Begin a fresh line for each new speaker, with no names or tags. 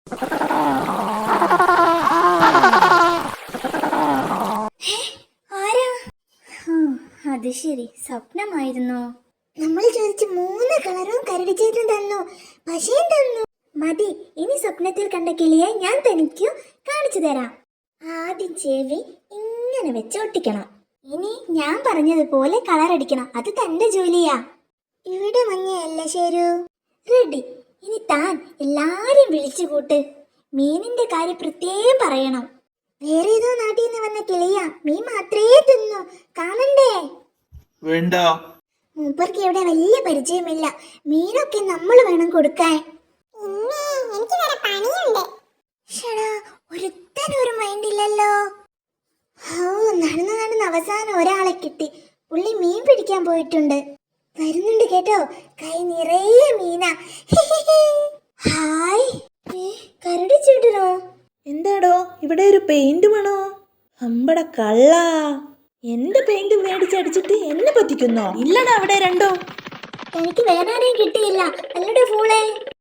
ആരാ? അത് ശരി, സ്വപ്നമായിരുന്നോ? നമ്മൾ ചോദിച്ച് 3 കളറും കരടിച്ചേട്ടൻ തന്നു, പശയും തന്നു. മതി, ഇനി സ്വപ്നത്തിൽ കണ്ട കിളിയെ ഞാൻ തനിക്കു കാണിച്ചു തരാം. ആദ്യം ചെവി ഇങ്ങനെ വെച്ച് ഒട്ടിക്കണം. ഇനി ഞാൻ പറഞ്ഞതുപോലെ കളർ അടിക്കണം. അത് തന്റെ ജോലിയാ. ഇവിടെ മഞ്ഞയല്ല ശരു. റെഡി. ഇനി താൻ എല്ലാരെയും വിളിച്ചു കൂട്ട്. മീനിന്റെ കാര്യം പ്രത്യേകം പറയണം. വേറെ ഏതോ നാട്ടിൽ നിന്ന് വന്ന കിളിയാ, മീൻ മാത്രമേ തിന്നു. കാണണ്ടേ?
വേണ്ട.
മൂപ്പർക്ക് ഇവിടെ വലിയ പരിചയമില്ല. മീനൊക്കെ നമ്മൾ വേണം കൊടുക്കാൻ. ഒരുത്തനൊരു മൈൻഡ് ഇല്ലല്ലോ. നടന്ന് അവസാനം ഒരാളെ കിട്ടി. പുള്ളി മീൻ പിടിക്കാൻ പോയിട്ടുണ്ട്. വരുന്നുണ്ട് കേട്ടോ, കൈ നിറയെ മീനാ. ഹായ്, കരടി ചേട്ടനോ?
എന്താടോ ഇവിടെ ഒരു പെയിന്റ് വേണോ? അമ്പട കള്ള, എന്റെ പെയിന്റ് മേടിച്ചടിച്ചിട്ട് എന്നെ പറ്റിക്കുന്നോ? ഇല്ലടാ അവിടെ രണ്ടോ.
എനിക്ക് വേറെ ആരെയും കിട്ടിയില്ല. അല്ലടെ ഫൂളേ.